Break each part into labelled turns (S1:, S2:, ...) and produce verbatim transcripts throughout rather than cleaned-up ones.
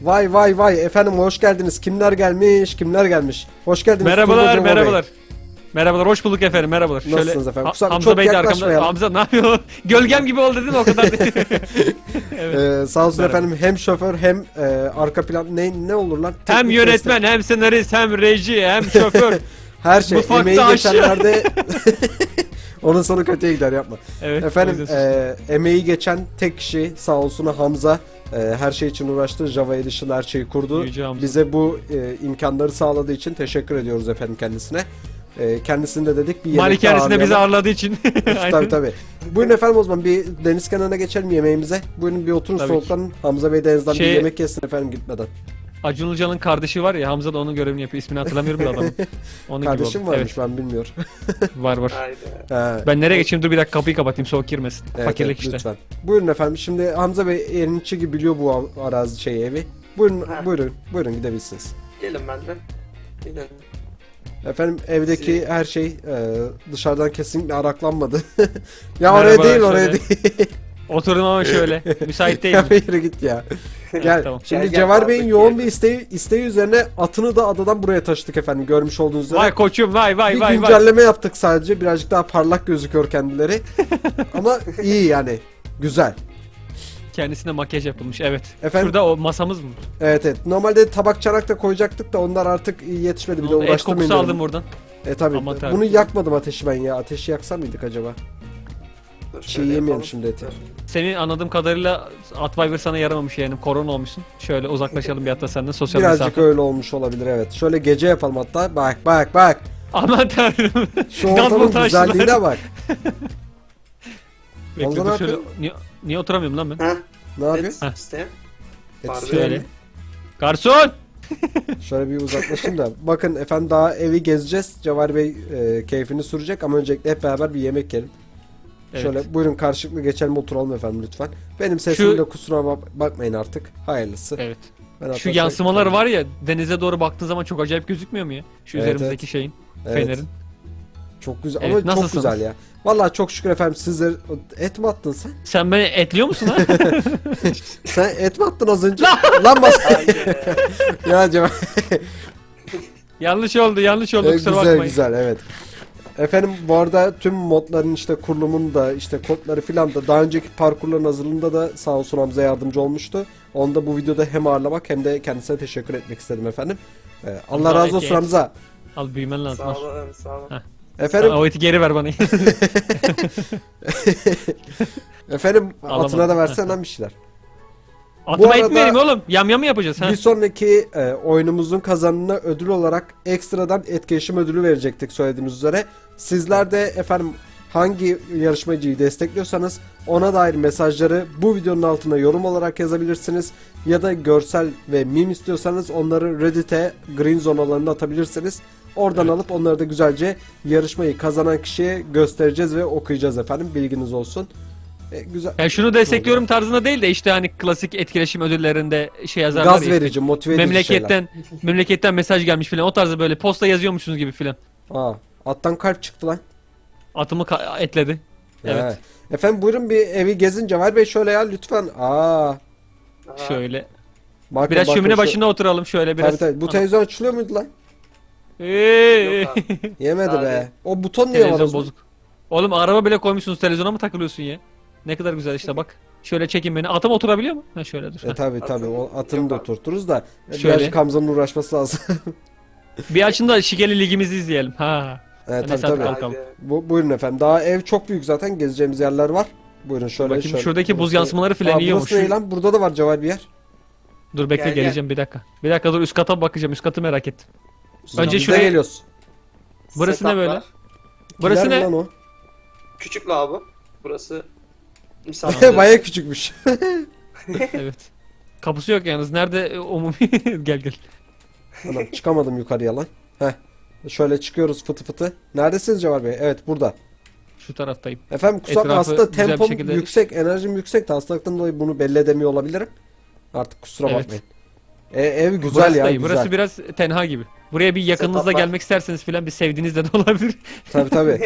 S1: Vay vay vay efendim hoş geldiniz. Kimler gelmiş? Kimler gelmiş? Hoş geldiniz.
S2: Merhabalar,
S1: Turbo Cemo
S2: merhabalar.
S1: Bey.
S2: Merhabalar, hoş bulduk efendim, merhabalar.
S1: Nasılsınız efendim?
S2: Ha-
S1: Kusura-
S2: Hamza
S1: çok
S2: Bey de arkamda.
S1: yaklaşmayalım.
S2: Hamza ne yapıyor? Gölgem gibi oldu değil mi o kadar? Evet.
S1: Ee, sağ olsun
S2: Merhaba.
S1: efendim hem şoför hem e, arka plan ne ne olur lan?
S2: Hem
S1: Teknik
S2: yönetmen, hem senarist, hem reji, hem şoför.
S1: destek. Her şey
S2: mutfakta
S1: emeği
S2: aşçı.
S1: geçenlerde onun sonu kötüye gider yapma.
S2: Evet. o
S1: Efendim
S2: yüzden
S1: e, emeği geçen tek kişi sağ olsun Hamza. E, her şey için uğraştı. Java Edition her şeyi kurdu.
S2: Yüce Hamza.
S1: Bize bu e, imkanları sağladığı için teşekkür ediyoruz efendim kendisine. E, kendisini de dedik bir yemek
S2: Malikanesinde bizi ağırladığı için.
S1: Tabii tabii. Buyurun efendim o zaman bir deniz kenarına geçelim yemeğimize. Buyurun bir oturun
S2: Tabii
S1: soğuklanın. Hamza Bey denizden
S2: Şey-
S1: bir yemek yesin efendim gitmeden.
S2: Acun Ilıcalı'nın kardeşi var ya, Hamza da onun görevini yapıyor. İsmini hatırlamıyorum da adamın. Onun
S1: Kardeşim
S2: gibi oldu.
S1: varmış ben bilmiyorum.
S2: Evet, var var.
S3: Haydi.
S1: He,
S2: Ben nereye geçeyim? Dur bir dakika, kapıyı kapatayım, soğuk girmesin.
S1: evet,
S2: Fakirlik
S1: evet,
S2: işte.
S1: lütfen. Buyurun efendim şimdi Hamza Bey yeniçi gibi biliyor bu av- arazi şey evi. Buyurun
S3: Ha.
S1: buyurun buyurun gidebilirsiniz.
S3: Gelin benden. Gelin.
S1: Efendim evdeki
S3: Şey-
S1: her şey e, dışarıdan kesinlikle araklanmadı. Ya
S2: Merhaba,
S1: oraya değil oraya
S2: şöyle.
S1: değil.
S2: Oturun ama şöyle. Müsait
S1: Ya
S2: değilim.
S1: yürü git ya. Gel.
S2: Tamam.
S1: Şimdi
S3: Gel, gel,
S1: Cevher Bey'in
S3: kaldık
S1: yoğun
S3: yerde.
S1: bir isteği, isteği üzerine atını da adadan buraya taşıdık efendim görmüş olduğunuz üzere.
S2: Vay koçum, vay vay
S1: bir
S2: vay vay.
S1: güncelleme yaptık sadece. Birazcık daha parlak gözüküyor kendileri. Ama iyi yani. Güzel.
S2: Kendisine makyaj yapılmış, evet.
S1: Efendim?
S2: Şurada o masamız mı?
S1: Evet evet. Normalde tabak çanak da koyacaktık da onlar artık yetişmedi. Bir de
S2: Et
S1: uğraştırmayın
S2: kokusu
S1: dedim.
S2: aldım buradan.
S1: E tabi.
S2: Amatör.
S1: Bunu yakmadım ateşi ben ya. Ateşi yaksa mıydık acaba?
S3: Dur,
S1: Çiğ
S3: şöyle
S1: yemeyelim
S3: yapalım.
S1: şimdi eti.
S3: Dur.
S2: Senin anladığım kadarıyla Atviber sana yaramamış yani, korona olmuşsun. Şöyle uzaklaşalım bir hatta senden, sosyal
S1: Birazcık
S2: mesafe.
S1: öyle olmuş olabilir evet. Şöyle gece yapalım hatta. Bak bak bak.
S2: Aman tanrım.
S1: Şu
S2: Gaz
S1: ortamın
S2: montajlar.
S1: güzelliğine bak.
S2: Bekle,
S1: Hamza
S2: dur
S1: ne
S2: şöyle.
S1: yapıyor?
S2: Niye, niye oturamıyorum lan ben?
S3: Ha?
S1: Ne yapıyor?
S3: Et
S2: Heh.
S3: isteyen.
S1: Et
S3: Pardon.
S1: isteyen
S2: Şöyle.
S1: mi?
S2: Garson!
S1: Şöyle bir uzaklaşayım da. Bakın efendim daha evi gezeceğiz. Cevher Bey e, keyfini sürecek ama öncelikle hep beraber bir yemek yiyelim.
S2: Evet.
S1: Şöyle buyurun karşılıklı geçelim oturalım efendim lütfen. Benim sesimde
S2: Şu-
S1: kusura bak- bakmayın artık. Hayırlısı.
S2: Evet.
S1: Ben hatta
S2: Şu
S1: şey-
S2: yansımalar var ya, denize doğru baktığın zaman çok acayip gözükmüyor mu ya? Şu
S1: Evet,
S2: üzerimizdeki şeyin,
S1: Evet.
S2: fenerin.
S1: Çok güzel
S2: Evet,
S1: ama çok
S2: nasılsınız?
S1: güzel ya. Vallahi çok şükür efendim sizler et mi attın sen?
S2: Sen beni etliyor musun ha?
S1: Sen et mi attın az önce? Lan bas.
S3: Haydi.
S1: Ya Cevher.
S2: yanlış oldu, yanlış oldu,
S1: E,
S2: kusura
S1: güzel
S2: bakmayın.
S1: güzel evet. Efendim bu arada tüm modların işte kurulumunu da işte kodları filan da daha önceki parkurların hazırlığında da sağ olsun Hamza yardımcı olmuştu. Onu da bu videoda hem ağırlamak hem de kendisine teşekkür etmek istedim efendim. Ee, Allah
S2: Hamza,
S1: razı
S2: et,
S1: olsun
S2: et.
S1: Hamza.
S2: Al, büyümen lazım.
S3: Sağ
S2: al.
S3: olun, sağ olun.
S2: Ha.
S1: Efendim
S2: O eti geri ver bana.
S1: efendim
S2: Alamadım.
S1: atına da versen lan bir şeyler.
S2: Atıma
S1: arada-
S2: et mi vereyim oğlum? Yam yam mı yapacağız ha?
S1: Bir sonraki e, oyunumuzun kazanına ödül olarak ekstradan etkileşim ödülü verecektik söylediğimiz üzere. Sizler de efendim hangi yarışmacıyı destekliyorsanız ona dair mesajları bu videonun altına yorum olarak yazabilirsiniz. Ya da görsel ve meme istiyorsanız onları Reddit'e Green Zone alanına atabilirsiniz. Oradan
S2: Evet.
S1: alıp onları da güzelce yarışmayı kazanan kişiye göstereceğiz ve okuyacağız efendim. Bilginiz olsun. E, güzel.
S2: Yani şunu destekliyorum tarzında değil de işte hani klasik etkileşim ödüllerinde şey yazarlar
S1: Gaz
S2: ya işte,
S1: verici, motive edici şeyler.
S2: memleketten memleketten mesaj gelmiş filan, o tarzda böyle posta yazıyormuşsunuz gibi filan.
S1: Aa, attan kalp çıktı lan.
S2: Atımı ka- etledi. Evet.
S1: Evet. Efendim buyurun bir evi gezin Cevher Bey şöyle ya lütfen. Aa.
S3: Aha.
S2: Şöyle.
S1: Bakın,
S2: Biraz
S1: bakın
S2: şömine
S1: şu-
S2: başında oturalım şöyle biraz.
S1: Tabii tabii. Bu
S2: Ana.
S1: televizyon açılıyor muydu lan?
S2: Eee.
S3: Yok abi.
S1: Yemedi
S3: Daha
S1: be.
S3: değil.
S1: O buton niye var o
S2: Televizyon
S1: zaman?
S2: bozuk. Oğlum araba bile koymuşsunuz, televizyona mı takılıyorsun ya? Ne kadar güzel işte bak. Şöyle çekin beni. Atım oturabiliyor mu? Ha şöyle dur.
S1: E tabii tabii o atını
S3: Yok
S1: da
S3: abi.
S1: oturturuz da.
S2: Şöyle.
S1: Birazcık Hamza'nın uğraşması lazım.
S2: Bir açın da şikeli ligimizi izleyelim. Ha.
S1: evet
S2: Neyse,
S1: tabii tabii.
S2: hadi kalkalım.
S3: Haydi.
S1: Bu, buyurun efendim. Daha ev çok büyük zaten. Gezeceğimiz yerler var. Buyurun şöyle
S2: Bakayım
S1: şöyle.
S2: şuradaki buz
S1: Burası-
S2: yansımaları
S1: Aa,
S2: filan yiyormuş.
S1: burası ne lan? Burada da var Cevher bir yer.
S2: Dur bekle,
S3: Gel, gel.
S2: geleceğim bir dakika. Bir dakika dur, üst kata bakacağım. Üst katı merak ettim. Önce
S1: Biz de
S2: şuraya-
S1: geliyoruz.
S2: Burası ne
S3: Setuplar.
S2: böyle? Burası
S1: Gider mi
S2: ne?
S1: lan o?
S3: Küçük lavabo. Burası misafir.
S1: Baya küçükmüş.
S2: Evet. Kapısı yok yalnız. Nerede e, umumi? Gel gel.
S1: Anam çıkamadım yukarıya lan. Heh. Şöyle çıkıyoruz fıtı fıtı. Neredesiniz Cevher Bey? Evet burada.
S2: Şu taraftayım.
S1: Efendim kusura
S2: Etrafı
S1: aslında
S2: güzel bir
S1: tempom
S2: şekilde-
S1: yüksek, enerjim yüksek de hastalıktan dolayı bunu belli edemiyor olabilirim. Artık kusura
S2: Evet.
S1: bakmayın. E, ev güzel
S2: burası
S1: ya
S2: da iyi.
S1: güzel.
S2: Burası biraz tenha gibi. Buraya bir yakınınızla
S3: Setuplar.
S2: gelmek isterseniz filan bir sevdiğiniz de olabilir.
S1: Tabii tabii.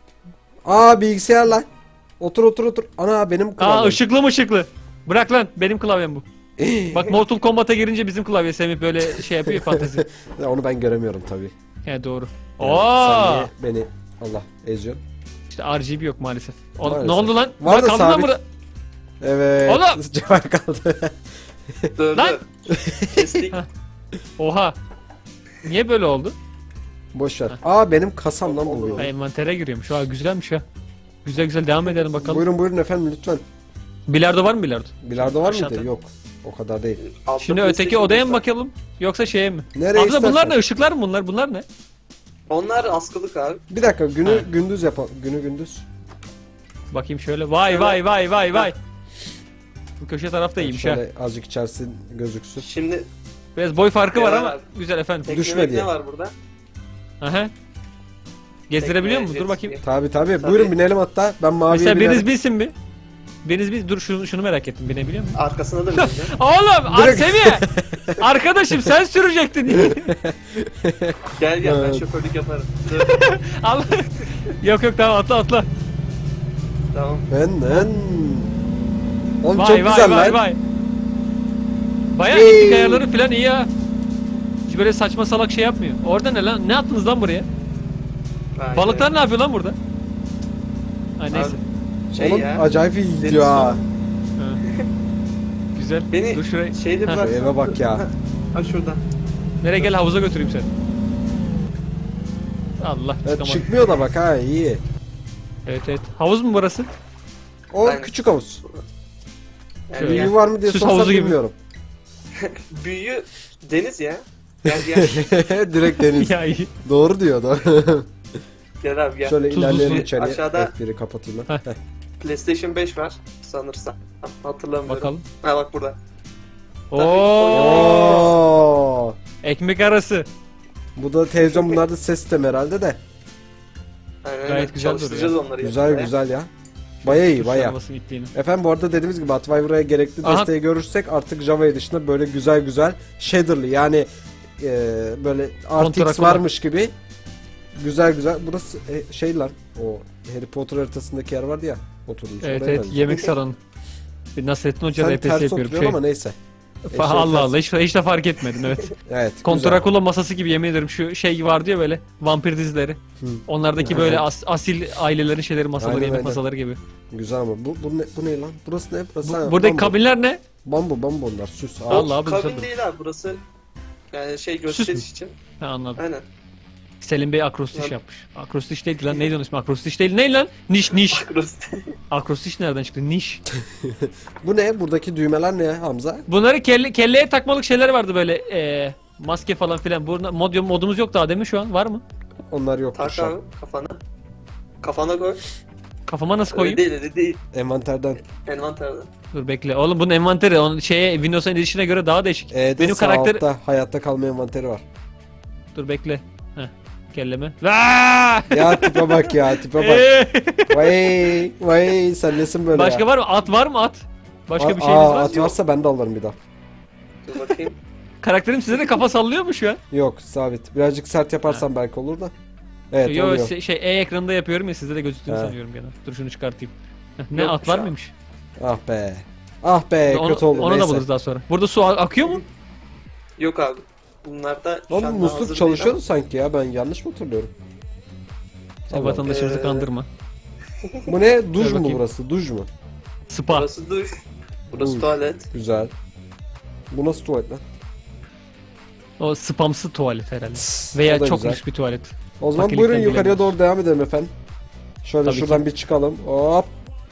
S1: Aa bilgisayar lan. Otur otur otur. Ana benim
S2: Aa
S1: klavyem.
S2: ışıklı mı ışıklı? Bırak lan, benim klavyem bu. Bak Mortal Kombat'a girince bizim klavye Semih böyle şey yapıyor fantezi.
S1: Ya onu ben göremiyorum tabii.
S2: He doğru.
S1: Yani
S2: Oo!
S1: sen niye beni Allah eziyorsun?
S2: İşte R G B yok maalesef. O-
S1: Maalesef.
S2: Ne oldu lan?
S1: Var
S2: Bak
S1: da
S2: kaldı lan
S1: sabit.
S2: burada.
S1: Evet.
S2: Oğlum!
S1: Cevher kaldı.
S3: Dur
S2: Lan!
S3: dur. Kestik.
S2: Oha. Niye böyle oldu?
S1: Boş ver. Aa benim kasam lan bu.
S3: Olur, olur.
S2: Ha, envantere giriyormuş. Ha güzelmiş ha. Güzel güzel devam edelim bakalım.
S1: Buyurun buyurun efendim lütfen.
S2: Bilardo var mı bilardo?
S1: Bilardo var
S2: Aşağıda.
S1: mıydı? Yok. O kadar değil.
S3: Altta
S2: Şimdi öteki
S3: PlayStation
S2: odaya
S3: beş
S2: mı
S3: var.
S2: bakalım? Yoksa şeye mi?
S1: Nereye
S2: Hamza bunlar
S1: istersen.
S2: ne? Işıklar mı bunlar? Bunlar ne?
S3: Onlar askılık abi.
S1: Bir dakika günü
S2: Ha.
S1: gündüz yapalım. Günü gündüz.
S2: Bakayım şöyle. Vay vay vay vay vay. Bu köşe tarafta iyiymiş ha.
S1: Şöyle azıcık içerisi gözüksün.
S3: Şimdi
S2: Biraz boy farkı var
S3: Beraber.
S2: ama güzel efendim.
S3: tekne
S1: Düşme diye.
S3: ne var burada?
S2: Aha. Gezdirebiliyor
S3: Tekne,
S2: musun? Dur
S3: jet
S2: bakayım.
S3: ski.
S1: Tabi tabi.
S3: Tabii.
S1: Buyurun binelim hatta. Ben maviye
S2: Mesela
S1: binerim.
S2: biriniz bilsin bir. Biriniz bil. Dur şunu, şunu merak ettim. Binebiliyor musun?
S3: Arkasına da bineceğim.
S2: Oğlum
S1: Direkt-
S2: Semih. Arkadaşım sen sürecektin.
S3: Gel gel ben
S1: Evet.
S3: şoförlük yaparım. Dur,
S2: Al. Yok yok tamam atla atla.
S3: tamam.
S1: Ben ben. Oğlum
S2: Vay
S1: çok
S2: vay
S1: güzel
S2: vay
S1: lan.
S2: vay. Bayağı
S1: Hey.
S2: iplik ayarları falan iyi ya. Hiç böyle saçma salak şey yapmıyor. Orada ne lan? Ne attınız lan buraya?
S3: Vay
S2: Balıklar
S3: be.
S2: ne yapıyor lan burada? Ha neyse.
S3: Şey
S1: Oğlum
S3: ya.
S1: acayip iyi
S3: Deniz
S1: gidiyor ha.
S2: Ha. Güzel.
S3: Beni
S2: Dur şuraya.
S3: şeyde
S2: Ha.
S3: bırak.
S1: Şu eve bak ya.
S3: Ha şurada.
S2: Nereye gel havuza götüreyim seni. Allah
S1: Evet,
S2: çıkamadım.
S1: çıkmıyor da bak ha iyi.
S2: Evet evet. Havuz mu burası?
S1: O
S3: Aynen.
S1: küçük havuz.
S3: Yani
S2: Şöyle.
S1: Büyüğü
S3: gel.
S1: var mı diye
S2: Süs
S1: sorsam
S2: havuzu gibi.
S1: bilmiyorum.
S3: Büyüğü deniz ya. Gel gel.
S1: Direkt deniz.
S2: ya iyi.
S1: Doğru diyor da.
S3: Gel abi gel.
S1: Şöyle
S2: Tuzlu
S1: ilerleyelim
S3: su.
S1: içeriye.
S3: Aşağıda-
S1: F biri kapatayım ben.
S2: Heh.
S1: Heh.
S3: PlayStation beş var sanırsam. Hatırlamıyorum.
S2: Bakalım.
S3: Ha bak burada.
S2: Oo.
S1: Oo.
S2: Ekmek arası.
S1: Bu da televizyon, bunlar da ses sistemi herhalde de.
S3: Aynen,
S2: Gayet
S3: aynen.
S2: güzel
S3: Çalıştıracağız onları.
S1: Güzel
S3: yakında.
S1: güzel ya. Baya iyi
S2: Tuş
S1: baya.
S2: arabasının ittiğini.
S1: Efendim bu arada dediğimiz gibi Atviver'a gerekli
S2: Aha.
S1: desteği görürsek artık Java dışında böyle güzel güzel shader'lı yani e, böyle R T X
S2: Kontraklı.
S1: varmış gibi güzel güzel. Burası e, şey lan o Harry Potter haritasındaki yer vardı ya, oturmuş.
S2: Evet
S1: oraya
S2: evet
S1: benziyor.
S2: yemek salonu. Bir Nasrettin Hoca
S1: Sen
S2: R P S
S1: ters
S2: yapıyorum.
S1: oturuyorsun
S2: Şey.
S1: ama neyse.
S2: Fa-
S1: Eşeğe
S2: Allah
S1: ters.
S2: Allah hiç, hiç de fark etmedim evet.
S1: Evet. güzel.
S2: Kontrakula masası gibi yemin ederim şu şey vardı ya böyle vampir dizileri.
S1: Hı.
S2: Onlardaki böyle as- asil ailelerin şeyleri masaları
S1: Aynen,
S2: yemek
S1: aynen.
S2: masaları gibi.
S1: Güzel ama bu bu ne, bu ne lan? Burası ne? Burası
S2: Bu,
S1: ha,
S2: buradaki
S1: bambu.
S2: kabinler ne?
S1: Bambu bambu onlar süs. Ağaç.
S2: Allah abi,
S3: Kabin
S2: güzel.
S3: değil abi burası. Yani şey
S2: mü?
S3: gösteriş için.
S2: Ha anladım.
S3: Aynen.
S2: Selim Bey akrostiş
S3: Lan-
S2: yapmış. Akrostiş değil lan neydi onun ismi? Akrostiş değil. Ne lan? Niş niş.
S3: Burası.
S2: Akrostiş nereden çıktı? Niş.
S1: Bu ne? Buradaki düğmeler ne Hamza?
S2: Bunları kelle, kelleye takmalık şeyler vardı böyle eee maske falan filan. Burada mod, modumuz yok daha değil mi şu an? Var mı?
S1: Onlar yok.
S3: Tak abi kafana. Kafana koy.
S2: Kafama nasıl
S3: Öyle
S2: koyayım?
S3: değil öyle değil.
S1: Envanterden.
S3: Envanterden.
S2: Dur bekle. Oğlum bunun envanteri onun şeye Windows Edition'a göre daha değişik.
S1: E'de
S2: Benim
S1: sağ
S2: karakter
S1: altta hayatta kalma envanteri var.
S2: Dur bekle. Heh. Kelleme. Vaa!
S1: Ya tipe bak ya tipe bak.
S2: Eee!
S1: Vay vay sen nesin böyle
S2: Başka
S1: ya?
S2: var mı? At var mı at? Başka
S1: Aa,
S2: bir şeyiniz var mı?
S1: at varsa ben de alırım bir daha.
S3: Dur bakayım.
S2: Karakterim size de kafa sallıyor mu şu an?
S1: Yok sabit. Birazcık sert yaparsam belki olur da. Evet
S2: Yo
S1: oluyor.
S2: şey, şey E ekranında yapıyorum ya sizde de gözüktüğünü
S1: He.
S2: sanıyorum gene. Dur şunu çıkartayım. Heh, ne
S3: Yokmuş
S2: at var
S3: abi.
S2: mıymış?
S1: Ah be. Ah be
S2: onu
S1: kötü oldu
S2: onu da
S1: neyse.
S2: buluruz daha sonra. Burada su a- akıyor mu?
S3: Yok abi. Bunlar da şu
S1: Oğlum
S3: anda
S1: musluk
S3: hazır
S1: çalışıyordu
S3: değil
S1: sanki ya, ben yanlış mı hatırlıyorum?
S2: Sen
S1: Allah.
S2: vatandaşımızı
S3: Ee,
S2: kandırma.
S1: Bu ne? Duş
S2: Dur
S1: mu
S2: bakayım.
S1: burası? Duş mu?
S3: ama.
S2: Spa.
S3: Burası duş. Burası
S1: Uy.
S3: tuvalet.
S1: Güzel. Bu nasıl tuvalet lan?
S2: O spamsı tuvalet herhalde.
S1: Tıs,
S2: Veya
S1: o da
S2: çok
S1: güzel.
S2: lüks bir tuvalet.
S1: O zaman
S2: Fakirlikten
S1: buyurun yukarıya
S2: bilemiyoruz.
S1: doğru devam edelim efendim. Şöyle
S2: Tabii
S1: şuradan
S2: ki.
S1: bir çıkalım. Hop.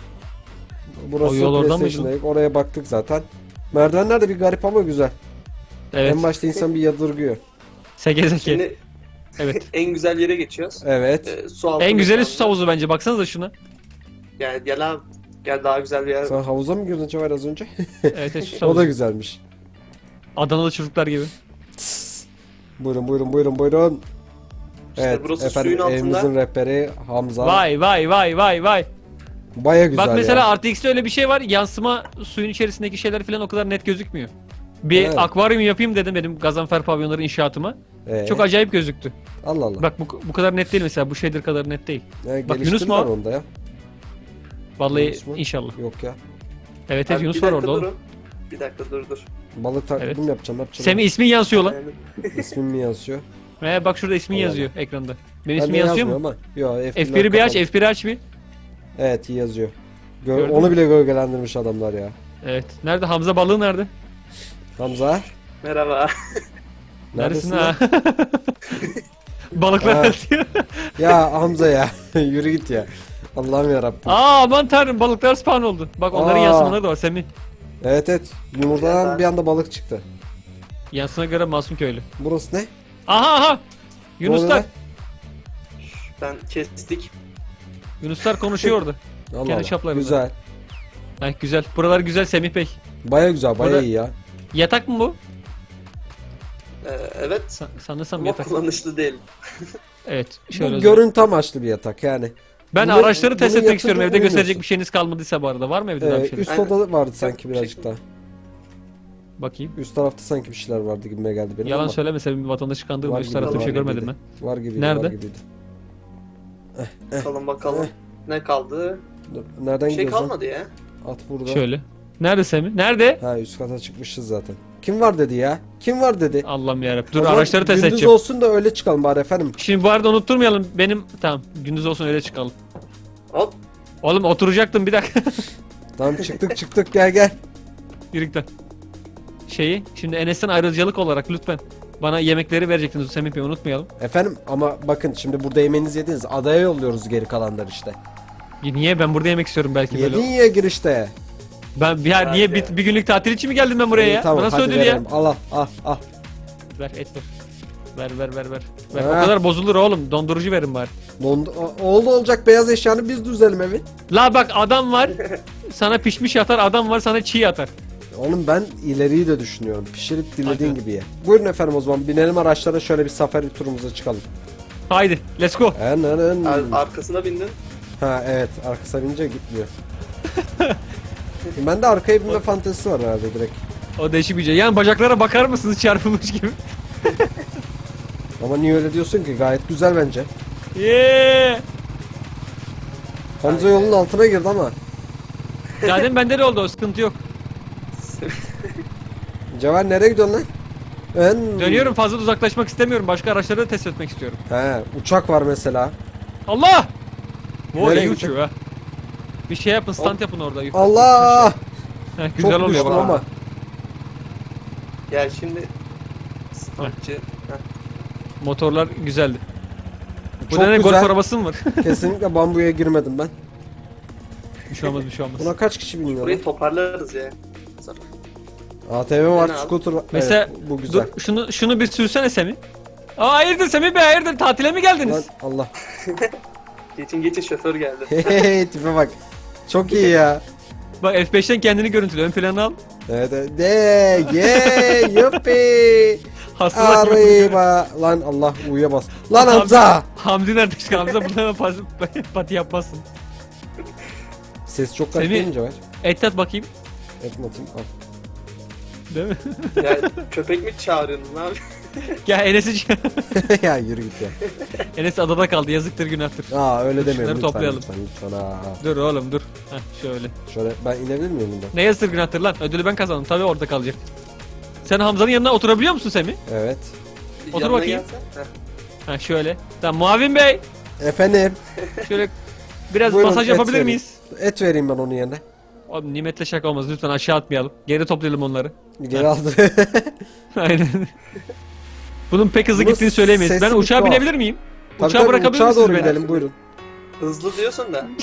S1: Burası
S2: O yol oradan
S1: PlayStation'dayım. Oraya baktık zaten. Merdivenler de bir garip ama güzel.
S2: Evet.
S1: En başta insan bir yadırgıyor.
S2: Seke seke.
S3: Şimdi
S2: Evet.
S3: en güzel yere geçiyoruz.
S1: Evet.
S3: Ee, su altı
S2: En güzeli
S3: mekanı.
S2: su havuzu bence. Baksanıza şuna.
S3: Gel gel abi. Gel daha güzel bir yer.
S1: Sen havuza mı girdin Cevher az önce?
S2: Evet, evet su
S1: O da
S2: havuzu.
S1: güzelmiş.
S2: Adanalı çocuklar gibi.
S1: Tıs. Buyurun buyurun buyurun buyurun.
S3: İşte
S1: Evet
S3: burası
S1: efendim
S3: suyun altında.
S1: evimizin rehberi Hamza.
S2: Vay vay vay vay vay.
S1: Baya güzel
S2: Bak mesela
S1: ya.
S2: R T X'te öyle bir şey var. Yansıma suyun içerisindeki şeyler falan o kadar net gözükmüyor. Bir
S1: Evet.
S2: akvaryum yapayım dedim benim Gazanfer pavyonları inşaatıma.
S1: Ee,
S2: Çok acayip gözüktü.
S1: Allah Allah.
S2: Bak bu, bu kadar net değil mesela. Bu shader kadar net değil.
S1: Yani
S2: bak, Yunus mu
S1: geliştirdiler
S2: o?
S1: onda ya.
S2: Vallahi
S1: Yunus mu?
S2: inşallah.
S1: Yok ya.
S2: Evet evet
S3: Abi
S2: Yunus
S3: bir
S2: var
S3: dakika
S2: orada oğlum.
S3: durun. Bir dakika dur dur.
S1: Balık taklidi
S2: Evet.
S1: mi yapacağım? Ne yapacağım?
S2: Semih ismin yansıyor lan.
S3: Yani,
S1: İsmim mi yazıyor?
S2: He bak şurada ismin
S1: Allah
S2: yazıyor ekranda. Benim
S1: Ben
S2: ismi
S1: de
S2: yazıyor
S1: yazmıyor
S2: mu?
S1: ama. Yok,
S2: F bir'i bir aç, F bir'i aç bir.
S1: Evet, iyi yazıyor. Gö-
S2: Gördün
S1: onu
S2: mü?
S1: bile gölgelendirmiş adamlar ya.
S2: Evet. Nerede Hamza balığı nerede?
S1: Hamza.
S3: merhaba.
S2: Neredesin
S1: Neredesin
S2: ha? Balıklar
S1: Ha.
S2: diyor.
S1: Ya Hamza ya. Yürü git ya. Allah'ım yarabbim.
S2: Aa aman tanrım balıklar spawn oldu. Bak onların
S1: Aa.
S2: yansımaları da var Semih.
S1: Evet evet. Yumurtadan bir anda balık çıktı.
S2: Yansına göre Masum köylü.
S1: Burası ne?
S2: Aha aha.
S1: Ne oluyor
S2: Yunuslar.
S1: lan?
S3: Ben kestik.
S2: Yunuslar konuşuyordu.
S1: Allah
S2: Kendi
S1: Allah.
S2: çaplarında.
S1: Güzel.
S2: Heh, güzel. Buralar güzel Semih Bey.
S1: Baya güzel, baya
S2: Burada-
S1: iyi ya.
S2: Yatak mı bu?
S3: Ee, evet.
S2: Sa- sanırsam
S3: Ama
S2: yatak.
S3: kullanışlı değil.
S2: Evet. Şöyle
S1: Bu
S2: özel.
S1: görüntü amaçlı bir yatak yani.
S2: Ben
S1: Bunu-
S2: araçları test
S1: bunu
S2: etmek istiyorum.
S1: yatınca
S2: Evde gösterecek
S1: uyumuyorsun.
S2: bir şeyiniz kalmadıysa bu arada. Var mı evde daha
S1: Ee,
S2: bir şeyler?
S1: üst
S3: Aynen.
S1: odada vardı sanki
S3: Yok,
S1: birazcık
S3: şey-
S1: daha.
S2: Bakayım.
S1: Üst tarafta sanki bir şeyler vardı gibime geldi benim
S2: Yalan
S1: ama.
S2: söyleme Sevim vatandaşı kandırma.
S1: Var
S2: Üst
S1: gibi,
S2: tarafta bir
S1: var
S2: şey görmedim
S1: gibiydi.
S2: ben.
S1: Var gibiydi,
S2: Nerede?
S1: var gibiydi.
S3: Bakalım bakalım. Ne kaldı?
S1: Dur, nereden
S3: Bir şey
S1: gidiyorsun?
S3: kalmadı ya.
S1: At burada.
S2: Şöyle. Nerede Semih? Nerede?
S1: Ha, üst kata çıkmışız zaten. Kim var dedi ya? Kim var dedi?
S2: Allah'ım yarabbim.
S1: O
S2: Dur
S1: zaman
S2: araçları test
S1: gündüz
S2: edeceğim.
S1: olsun da öyle çıkalım bari efendim.
S2: Şimdi bu arada unutturmayalım. Benim tamam gündüz olsun öyle çıkalım.
S3: Hop.
S2: Oğlum oturacaktım bir dakika.
S1: Tamam, çıktık çıktık, gel gel.
S2: Yürükten. Şeyi şimdi Enes'ten ayrıcalık olarak lütfen bana yemekleri verecektiniz Semih Bey unutmayalım.
S1: Efendim ama bakın şimdi burada yemeğinizi yediniz. Adaya yolluyoruz geri kalanlar işte.
S2: Ya niye ben burada yemek istiyorum belki
S1: Yedin
S2: böyle.
S1: ya girişte.
S2: Ben ya
S3: Hadi
S2: niye
S3: ya.
S2: bir, bir günlük tatil için mi geldim ben buraya
S1: İyi,
S2: ya?
S1: tamam,
S2: Bu nasıl
S1: hadi
S2: ödül ya?
S1: verelim. Al al al al.
S2: Ver et ver. Ver ver ver ver. ver.
S1: Ha.
S2: O kadar bozulur oğlum. Dondurucu verin bari.
S1: Dondu- o- oldu olacak, beyaz eşyanı biz düzelim evi.
S2: La bak adam var. Sana pişmiş atar, adam var sana çiğ atar.
S1: Oğlum ben ileriyi de düşünüyorum. Pişirip dilediğin
S2: Hadi.
S1: gibi ye. Buyurun efendim, o zaman binelim araçlara, şöyle bir safari turumuza çıkalım.
S2: Haydi let's go.
S1: Ananın.
S3: Ar- arkasına bindin.
S1: Ha evet, arkasına binince gitmiyor. Ben de arkaya binme fantezisi var herhalde direkt.
S2: O değişik bir şey. Yani bacaklara bakar mısınız çarpılmış gibi?
S1: Ama niye öyle diyorsun ki? Gayet güzel bence.
S2: Yeee.
S1: Hamza yolun altına girdi ama.
S2: Zaten bende de oldu o sıkıntı yok.
S1: Cevher nereye gidiyorsun lan? Ben...
S2: Dönüyorum fazla da uzaklaşmak istemiyorum. Başka araçları da test etmek istiyorum.
S1: He, uçak var mesela.
S2: Allah! Bu
S1: Nereye
S2: iyi
S1: gidecek?
S2: uçuyor ha. Bir şey yapın stand yapın orada. yukarı.
S1: Allah!
S2: Heh, güzel
S1: Çok
S2: oluyor
S1: düştüm
S2: bak.
S1: ama.
S3: Gel şimdi. Stampçı. Heh.
S2: Motorlar güzeldi. Bu
S1: Çok
S2: ne golf
S1: güzel.
S2: arabası mı var?
S1: Kesinlikle bambuya girmedim ben.
S2: bir şey olmaz bir şey olmaz.
S1: Buna kaç kişi biniyor lan?
S3: Burayı toparlarız ya. Sonra.
S1: A T V var,
S3: Fena abi.
S1: scooter var.
S2: Mesela
S1: Evet, bu güzel.
S2: dur şunu şunu bir sürsene Semih. Aa hayırdır Semih Bey hayırdır tatile mi geldiniz?
S1: Lan Allah.
S3: Geçin geçin şoför geldi.
S1: Hey, tipe bak. Çok iyi ya.
S2: Bak F beşten kendini görüntüle ön plana al.
S1: Evet, evet. De, ye, yuppi.
S2: Hastalar gibi duruyor.
S1: Arriba. Lan Allah, uyuya bas. Lan
S2: Hamdi-
S1: Hamza.
S2: Hamdi nerede çıkıyor? Hamza burada hemen pas, pati yapmazsın.
S1: Ses çok garip
S2: Semih-
S1: değil mi Cevher?
S2: Et tat bakayım.
S1: Etmatayım. Al.
S2: Değil mi?
S3: Ya köpek mi çağırıyorsun abi?
S2: Gel Enes'i ç-
S1: Ya yürü git ya.
S2: Enes adada kaldı yazıktır günahtır.
S1: Aa öyle
S2: Dur,
S1: demeyin
S2: şunları
S1: lütfen,
S2: toplayalım.
S1: lütfen lütfen. Aa, aa.
S2: Dur oğlum dur. Heh, şöyle.
S1: Şöyle ben inebilir miyim bundan?
S2: Ne yazıktır günahtır lan? Ödülü ben kazandım. Tabii orada kalacak. Sen Hamza'nın yanına oturabiliyor musun Semih?
S1: Evet.
S2: Otur
S3: Yanına
S2: bakayım.
S3: gelsen. Heh.
S2: Ha şöyle. Tamam Muavin Bey.
S1: Efendim,
S2: Şöyle biraz
S1: Buyurun,
S2: masaj
S1: et
S2: yapabilir
S1: verin.
S2: miyiz?
S1: et vereyim ben onun yerine.
S2: Oğlum nimetle şaka olmaz. Lütfen aşağı atmayalım. Geri toplayalım onları.
S1: Geri aldı.
S2: Aynen. Bunun pek hızlı
S1: Bunun
S2: gittiğini söyleyemeyiz.
S1: sesi
S2: Ben
S1: bir
S2: uçağa
S1: tuhaf.
S2: binebilir miyim?
S1: Tabii
S2: Uçağa
S1: tabii,
S2: bırakabilir
S1: uçağa
S2: misiniz
S1: doğru
S2: beni?
S1: gidelim, buyurun.
S3: Hızlı diyorsun da.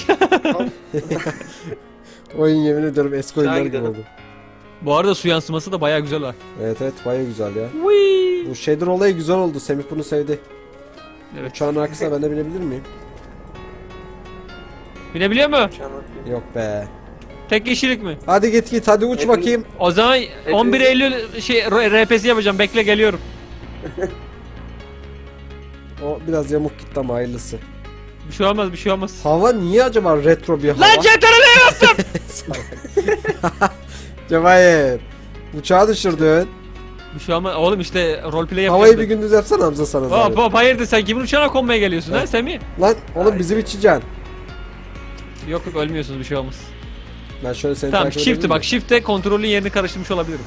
S1: Oyun yemin ediyorum eski oyunlar gibi
S3: gidelim.
S1: oldu.
S2: Bu arada su yansıması da bayağı güzel var.
S1: Evet evet, baya güzel ya.
S2: Whee!
S1: Bu shader olayı güzel oldu. Semih bunu sevdi.
S2: Evet.
S1: Uçağın arkasına ben de binebilir miyim?
S2: Binebiliyor mu?
S3: Uçağına bakayım.
S1: Yok be.
S2: Tek kişilik mi?
S1: Hadi git git, hadi uç
S3: Hepimiz-
S1: bakayım.
S2: O zaman on bir Eylül şey R P S yapacağım. Bekle geliyorum.
S1: O biraz yamuk gitti ama hayırlısı.
S2: Bir şey olmaz, bir şey olmaz.
S1: Hava niye acaba retro bir hava?
S2: Lan cetrene bastım.
S1: Cevahir. Uçağı düşürdün.
S2: Bir şey olmaz. Oğlum işte roleplay yapacağız.
S1: Havayı bir gündüz yapsana Hamza sana
S2: Hop
S1: zahmet.
S2: hop hayırdır sen kimin uçağına konmaya geliyorsun ha Semih?
S1: Lan oğlum
S3: Ay.
S1: bizim içeceksin.
S2: Yok yok ölmüyorsunuz bir şey olmaz.
S1: Ben şöyle seni
S2: Tamam
S1: takip
S2: shift'e
S1: edebilir
S2: bak
S1: miyim?
S2: shift'e kontrolün yerini karıştırmış olabilirim.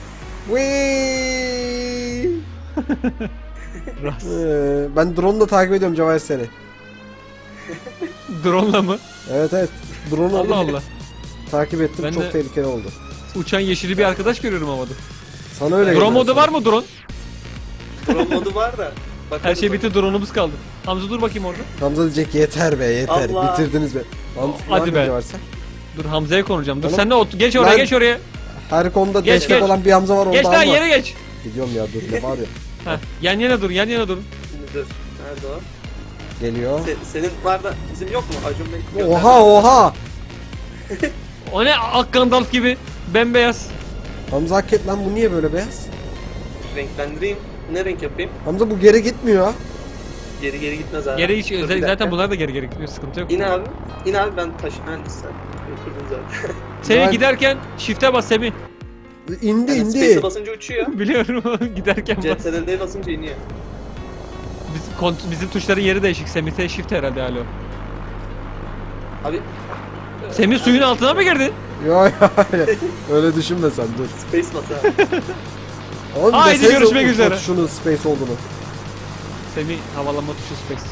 S1: Whee!
S2: Ras.
S1: Ee, ben drone da takip ediyorum Cevahir seni.
S2: Drone'la mı?
S1: Evet evet. Drone
S2: Allah Allah.
S1: takip ettim.
S2: Ben
S1: Çok
S2: de-
S1: tehlikeli oldu.
S2: Uçan yeşili bir arkadaş görüyorum havada.
S1: Sana öyle
S2: Drone
S1: geliyor
S2: modu
S1: sana.
S2: var mı drone?
S3: Pro modu var da.
S2: Her
S3: Bakalım.
S2: şey bitti, drone'umuz kaldı. Hamza dur bakayım orada.
S1: Hamza diyecek yeter be yeter.
S3: Allah.
S1: Bitirdiniz be. Hamza,
S2: Hadi
S1: ne
S2: be.
S1: yapıyor varsa?
S2: Dur Hamza'ya konuşacağım. Dur
S1: Oğlum,
S2: sen de ot geç oraya
S1: ben-
S2: geç oraya.
S1: Her konuda
S2: Geç,
S1: destek
S2: geç.
S1: olan bir Hamza var orada
S2: Geç lan
S1: ama.
S2: yere geç.
S1: Gidiyorum ya dur ne var ya.
S2: Heh, yan yana dur yan yana dur.
S3: Şimdi dur. Nerede o?
S1: Geliyor.
S3: Se- senin var da bizim yok mu? Acun Bey. Yok,
S1: Oha oha.
S2: O ne ak Gandalf gibi bembeyaz.
S1: Hamza hak et lan bu niye böyle beyaz?
S3: Renklendireyim. Ne renk yapayım?
S1: Hamza bu geri gitmiyor.
S3: Geri geri gitmez abi.
S2: Geri hiç
S3: Dur bir
S2: zaten
S3: dakika.
S2: bunlar da geri geri gidiyor, sıkıntı yok.
S3: İn abi. İn abi ben taşı mühendisem. Götürdüm zaten.
S2: Semih
S1: Ben-
S2: giderken shift'e bas Semih.
S1: İndi
S3: Yani
S1: indi.
S3: space'e basınca uçuyor.
S2: Biliyorum giderken bas.
S3: C T R L'ye basınca iniyor.
S2: Bizim, kont- bizim tuşların yeri değişik. Semih'te shift herhalde alo.
S3: Abi.
S2: Semih suyun altına mı girdi?
S1: Yok öyle, öyle düşünme sen dur.
S3: Space bas abi.
S1: Oğlum
S2: Haydi
S1: desenize
S2: görüşmek
S1: uçma
S2: üzere.
S1: tuşunun space olduğunu.
S2: Semih havalanma tuşu space.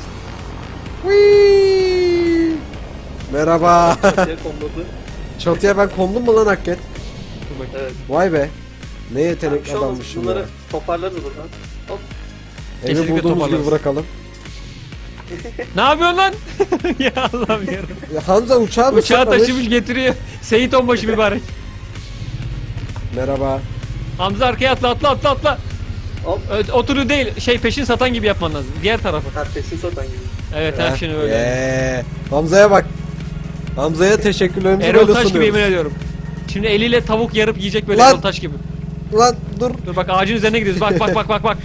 S1: Whee! Merhaba.
S3: Çatıya konuldu.
S1: Çatıya ben kondum mu lan hakikaten?
S2: Dur bakayım.
S3: Evet.
S1: Vay be. Ne
S3: Bir
S1: yetenekli
S3: şey olmaz.
S1: adammışım ya.
S3: Bunları toparlarız buradan. Hop.
S1: Evi
S2: Kesinlikle
S1: bulduğumuz gibi
S2: toparlarız.
S1: bırakalım.
S2: Ne yapıyorsun lan? ya Allah'ım yarabbim.
S1: Ya Hamza uçağı mı
S2: Uçağı
S1: saklamış?
S2: taşımış getiriyor. Seyit onbaşı mübarek.
S1: Merhaba.
S2: Hamza arkaya atla atla atla atla.
S3: Hop.
S2: Ö- Oturu değil şey peşin satan gibi yapman lazım. Diğer tarafı.
S3: Ha peşin satan gibi.
S2: Evet ha şimdi öyle.
S1: Ee, Hamza'ya bak. Hamza'ya teşekkürlerimizi
S2: Erol
S1: böyle
S2: Taş gibi yemin
S1: sunuyoruz.
S2: ediyorum. Şimdi eliyle tavuk yarıp yiyecek böyle
S1: Lan!
S2: Erol Taş gibi.
S1: Lan dur.
S2: Dur bak ağacın üzerine gidiyoruz. Bak bak bak bak bak.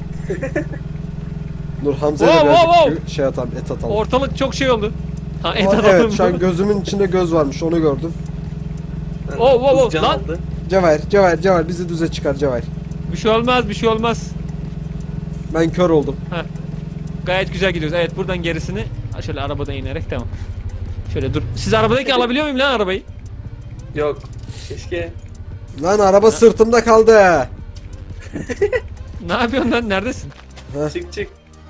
S1: Dur Hamza'ya da
S2: Wow,
S1: birazcık
S2: wow,
S1: şey atalım, et atalım.
S2: Ortalık çok şey oldu. Ha et
S1: Aa,
S2: atalım.
S1: evet şu an gözümün içinde göz varmış onu gördüm.
S3: Yani
S2: Oh, oh, oh,
S3: buz can
S2: lan!
S3: aldı.
S1: Cevher, Cevher, Cevher bizi düze çıkar Cevher.
S2: Bir şey olmaz bir şey olmaz.
S1: Ben kör oldum.
S2: Gayet güzel gidiyoruz. Evet buradan gerisini ha, şöyle arabadan inerek tamam. Şöyle dur. Siz arabadaki alabiliyor muyum lan arabayı?
S3: Yok. Keşke.
S1: Lan araba sırtımda kaldı.
S2: Ne yapıyorsun lan? Neredesin?
S3: Çık çık.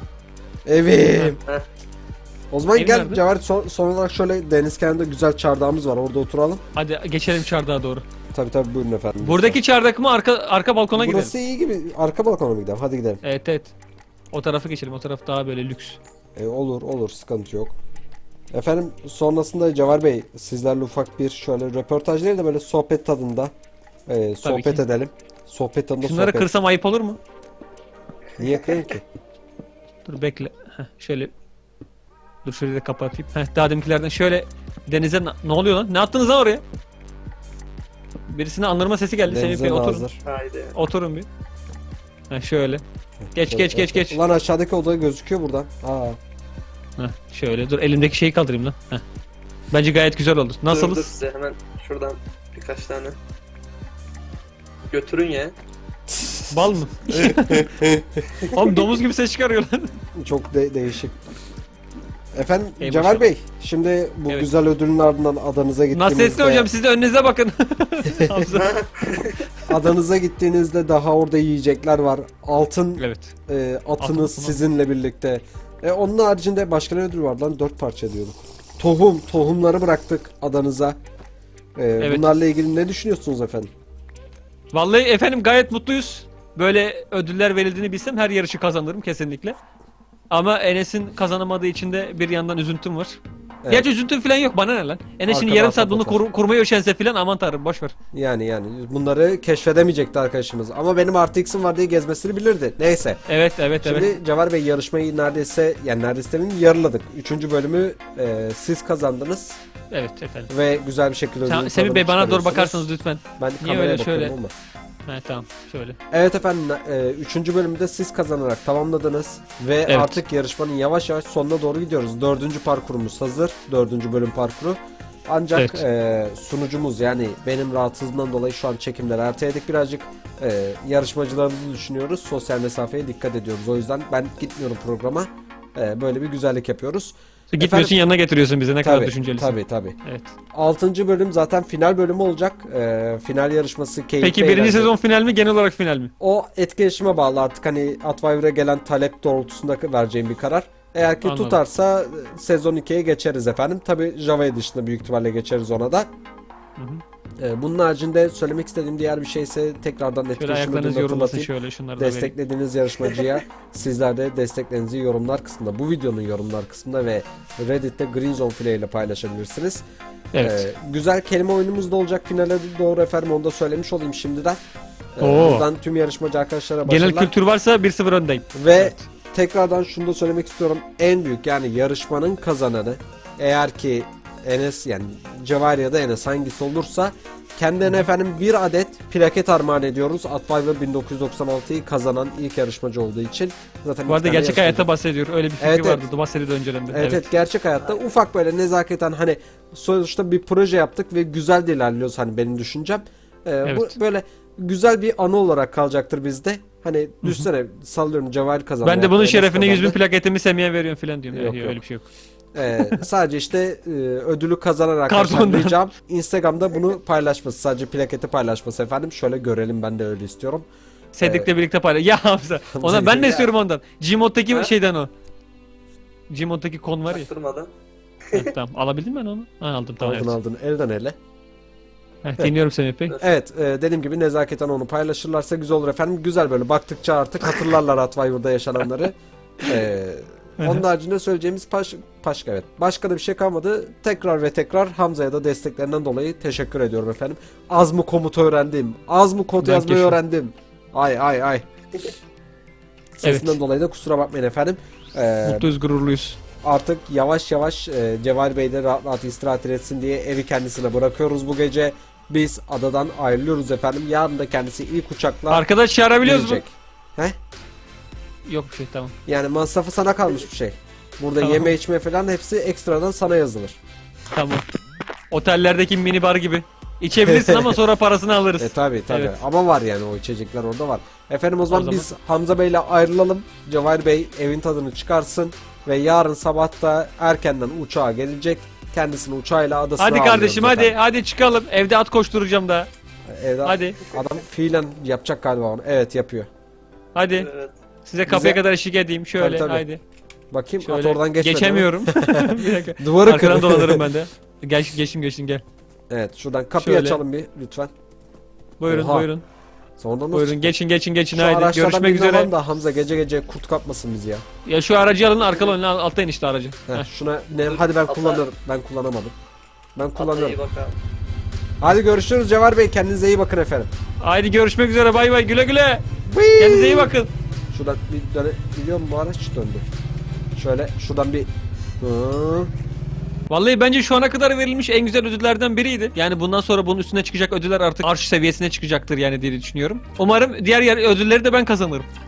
S1: Evim.
S3: Heh.
S1: O zaman
S2: Evin
S1: gel
S2: nerede?
S1: Cevher son, son olarak şöyle deniz kenarında güzel çardağımız var orada oturalım.
S2: Hadi geçelim çardağa doğru.
S1: Tabi tabi buyurun efendim.
S2: Buradaki çardak mı arka arka balkona gidelim.
S1: Burası iyi gibi. Arka balkona mı gidelim? Hadi gidelim.
S2: Evet evet. O tarafa geçelim. O taraf daha böyle lüks.
S1: E, olur olur sıkıntı yok. Efendim sonrasında Cevher Bey sizlerle ufak bir şöyle röportaj değil de böyle sohbet tadında e, sohbet
S2: ki.
S1: edelim. Sohbet tadında
S2: Şunları
S1: sohbet.
S2: kırsam ayıp olur mu?
S1: Niye kırayım ki?
S2: Dur bekle. Heh, şöyle. Dur şöyle de kapatayım. Heh, daha deminkilerden şöyle denize na- ne oluyor lan? Ne attınız lan oraya? Birisine anırma sesi geldi. Semih
S1: Denize
S2: Bey oturun.
S1: hazır.
S3: Haydi.
S2: Oturun bir. Heh, şöyle. Geç
S1: Şöyle-
S2: geç geç geç.
S1: Ulan aşağıdaki oda gözüküyor buradan. Aa.
S2: Heh, şöyle dur elimdeki şeyi kaldırayım lan. Heh. Bence gayet güzel oldu.
S3: Dur, dur
S2: Nasılız?
S3: size hemen şuradan birkaç tane. Götürün ya.
S2: Bal mı? Oğlum domuz gibi ses çıkarıyor lan.
S1: Çok de- değişik. Efendim
S2: Ey
S1: Cevher
S2: maşallah.
S1: Bey şimdi bu
S2: Evet.
S1: güzel ödülün ardından adanıza gittiğinizde
S2: Nasrettin hocam siz de önünüze bakın. Hamza.
S1: adanıza gittiğinizde daha orada yiyecekler var. Altın
S2: Evet.
S1: e, atınız
S2: Atın-
S1: sizinle birlikte. E, onun haricinde başka ne ödül var lan? Dört parça diyorduk. Tohum, tohumları bıraktık adanıza. E,
S2: Evet.
S1: Bunlarla ilgili ne düşünüyorsunuz efendim?
S2: Vallahi efendim gayet mutluyuz. Böyle ödüller verildiğini bilsem her yarışı kazanırım kesinlikle. Ama Enes'in kazanamadığı için de bir yandan üzüntüm var.
S1: Evet.
S2: Gerçi üzüntüm falan yok bana ne lan. Enes şimdi
S1: Arkada
S2: yarım saat bunu
S1: atlatar.
S2: kur, kurmaya üşense falan aman tanrım boş ver.
S1: Yani yani bunları keşfedemeyecekti arkadaşımız. Ama benim artı X'im var diye gezmesini bilirdi. Neyse.
S2: Evet evet
S1: Şimdi
S2: evet.
S1: Cevher Bey yarışmayı neredeyse yani neredeyse demeyeyim, yarıladık. Üçüncü bölümü e, siz kazandınız
S2: Evet efendim.
S1: ve güzel bir şekilde
S2: Tamam,
S1: ödülün
S2: Semih
S1: tadını
S2: Bey bana doğru
S1: çıkarıyorsunuz.
S2: bakarsanız lütfen.
S1: Ben
S2: Niye
S1: kameraya
S2: öyle
S1: bakıyorum
S2: şöyle?
S1: ama.
S2: He tamam şöyle.
S1: Evet efendim e, üçüncü bölümü de siz kazanarak tamamladınız ve
S2: Evet.
S1: artık yarışmanın yavaş yavaş sonuna doğru gidiyoruz. Dördüncü parkurumuz hazır. Dördüncü bölüm parkuru. Ancak
S2: Evet.
S1: e, sunucumuz yani benim rahatsızlığımdan dolayı şu an çekimleri erteledik birazcık. E, yarışmacılarımızı düşünüyoruz. Sosyal mesafeye dikkat ediyoruz. O yüzden ben gitmiyorum programa. E, böyle bir güzellik yapıyoruz.
S2: Gitmiyorsun yanına getiriyorsun bize ne kadar
S1: Tabii,
S2: düşüncelisin.
S1: tabii tabii.
S2: Evet.
S1: altıncı bölüm zaten final bölümü olacak. Ee, final yarışması keyifli.
S2: Peki birinci
S1: eğlenceli.
S2: sezon final mi genel olarak final mi?
S1: O etkileşime bağlı artık, hani Atviver'a gelen talep doğrultusunda vereceğim bir karar. Eğer ki
S2: Anladım.
S1: tutarsa e, sezon ikiye geçeriz efendim. Tabi Java Edition'da büyük ihtimalle geçeriz ona da.
S2: Hı hı.
S1: Ee, bunun haricinde söylemek istediğim diğer bir şeyse tekrardan
S2: Şöyle
S1: etkileşim
S2: ayaklarınız
S1: ödülünü
S2: yorulmasın
S1: hatırlatayım.
S2: şöyle şunları da vereyim.
S1: Desteklediğiniz yarışmacıya sizler de desteklerinizi yorumlar kısmında, bu videonun yorumlar kısmında ve Reddit'te Green Zone Play ile paylaşabilirsiniz.
S2: Evet.
S1: Ee, güzel kelime oyunumuz da olacak finale doğru efendim, onu da söylemiş olayım şimdiden. Ee,
S2: Oo.
S1: buradan tüm yarışmacı arkadaşlara başarılar.
S2: Genel kültür varsa bir sıfır öndeyim.
S1: Ve
S2: Evet.
S1: tekrardan şunu da söylemek istiyorum. En büyük, yani yarışmanın kazananı, eğer ki Enes, yani Cevahir ya da Enes hangisi olursa, kendilerine efendim bir adet plaket armağan ediyoruz. Atviver bin dokuz yüz doksan altıyı kazanan ilk yarışmacı olduğu için. Zaten
S2: Bu
S1: iki
S2: arada
S1: tane
S2: gerçek
S1: yarışmacı.
S2: hayatta bahsediyor. Öyle bir fikri
S1: Evet, evet.
S2: vardı. Bahsediyordu önceden de.
S1: Evet, evet gerçek hayatta ufak böyle nezaketen, hani sonuçta bir proje yaptık ve güzel de ilerliyoruz, hani benim düşüncem. Ee,
S2: Evet.
S1: Bu böyle güzel bir anı olarak kalacaktır bizde. Hani düşünsene, sallıyorum Cevahir kazandı.
S2: Ben de bunun
S1: Enes
S2: şerefine yüz bin
S1: kazandı.
S2: plaketimi Semih'e veriyorum falan diyorum.
S1: Yok,
S2: Yok,
S1: yok.
S2: öyle bir şey yok.
S1: Ee, sadece işte e, ödülü kazanan arkadaşlar
S2: Kartondan.
S1: ricam Instagram'da bunu paylaşması, sadece plaketi paylaşması efendim. Şöyle görelim, ben de öyle istiyorum.
S2: Cedric'le birlikte paylaş. Ya Hamza. Ona ben de
S1: Ya.
S2: istiyorum ondan. Gmod'daki
S3: Ha?
S2: şeyden o. Gmod'daki kon var ya.
S3: Çaktırmadan.
S2: Heh, tamam. Alabildin mi ben onu? Ha, aldım tamam.
S1: Aldın
S2: Evet.
S1: aldın elden ele.
S2: Heh, dinliyorum Semih Bey.
S1: Evet, e, dediğim gibi nezaketen onu paylaşırlarsa güzel olur efendim. Güzel, böyle baktıkça artık hatırlarlar Atviver'da yaşananları. Ee, onun haricinde söyleyeceğimiz paş, başka evet. Başka da bir şey kalmadı. Tekrar ve tekrar Hamza'ya da desteklerinden dolayı teşekkür ediyorum efendim. Az mı komut öğrendim? Az mı kod
S2: Ben
S1: yazmayı
S2: keşfim.
S1: öğrendim? Ay ay ay. Sesinden
S2: Evet.
S1: dolayı da kusura bakmayın efendim. Ee,
S2: Mutluyuz, gururluyuz.
S1: artık yavaş yavaş e, Cevahir Bey de rahat rahat istirahat etsin diye evi kendisine bırakıyoruz bu gece. Biz adadan ayrılıyoruz efendim. Yarın da kendisi ilk uçakla
S2: Arkadaş çağırabiliyoruz mu?
S1: gelecek. He?
S2: Yok bir şey tamam.
S1: Yani masrafı sana kalmış bir şey. Burada
S2: Tamam.
S1: yeme içme falan hepsi ekstradan sana yazılır.
S2: Tamam. Otellerdeki minibar gibi. İçebilirsin ama sonra parasını alırız.
S1: E tabi tabi,
S2: Evet.
S1: ama var yani, o içecekler orada var. Efendim o zaman,
S2: zaman-
S1: biz Hamza Bey'le ayrılalım. Cevahir Bey evin tadını çıkarsın ve yarın sabah da erkenden uçağa gelecek. Kendisini uçağıyla adasına
S2: Hadi kardeşim
S1: alıyoruz
S2: hadi
S1: efendim.
S2: hadi çıkalım. Evde at koşturacağım daha.
S1: Evde
S2: Hadi.
S1: adam fiilen yapacak galiba onu. Evet, yapıyor.
S2: Hadi.
S3: Evet.
S2: Size kapıya
S1: Bize-
S2: kadar eşlik edeyim. Şöyle
S1: Tabii, tabii.
S2: haydi.
S1: Bakayım,
S2: Şöyle.
S1: at oradan geçmedi.
S2: Geçemiyorum. Bir dakika.
S1: Duvarı
S2: Arkadan
S1: kır.
S2: dolanırım ben de. Gel geçtim geçtim gel.
S1: Evet, şuradan kapıyı
S2: Şöyle.
S1: açalım bir lütfen.
S2: Buyurun
S1: Oha.
S2: buyurun.
S1: Sonra nasıl
S2: Buyurun
S1: çıktık?
S2: geçin geçin geçin
S1: Şu
S2: haydi.
S1: araçlardan
S2: Görüşmek
S1: birini
S2: üzere.
S1: alalım da Hamza gece gece kurt kapmasın bizi ya.
S2: Ya şu aracı alın arkalı önüne altta in işte aracı.
S1: Heh,
S2: Heh.
S1: şuna ne? Hadi ben
S3: Atla.
S1: kullanırım. Ben kullanamadım. Ben
S3: Atla
S1: kullanırım.
S3: iyi bakalım.
S1: Hadi görüşürüz Cevher Bey. Kendinize iyi bakın efendim.
S2: Haydi görüşmek üzere bay bay güle güle.
S1: Whee!
S2: Kendinize iyi bakın.
S1: Şuradan bir döne biliyor musun, bu araç döndü. Şöyle şuradan bir Hı.
S2: Vallahi bence şu ana kadar verilmiş en güzel ödüllerden biriydi. Yani bundan sonra bunun üstüne çıkacak ödüller artık arş seviyesine çıkacaktır yani diye düşünüyorum. Umarım diğer yer ödülleri de ben kazanırım.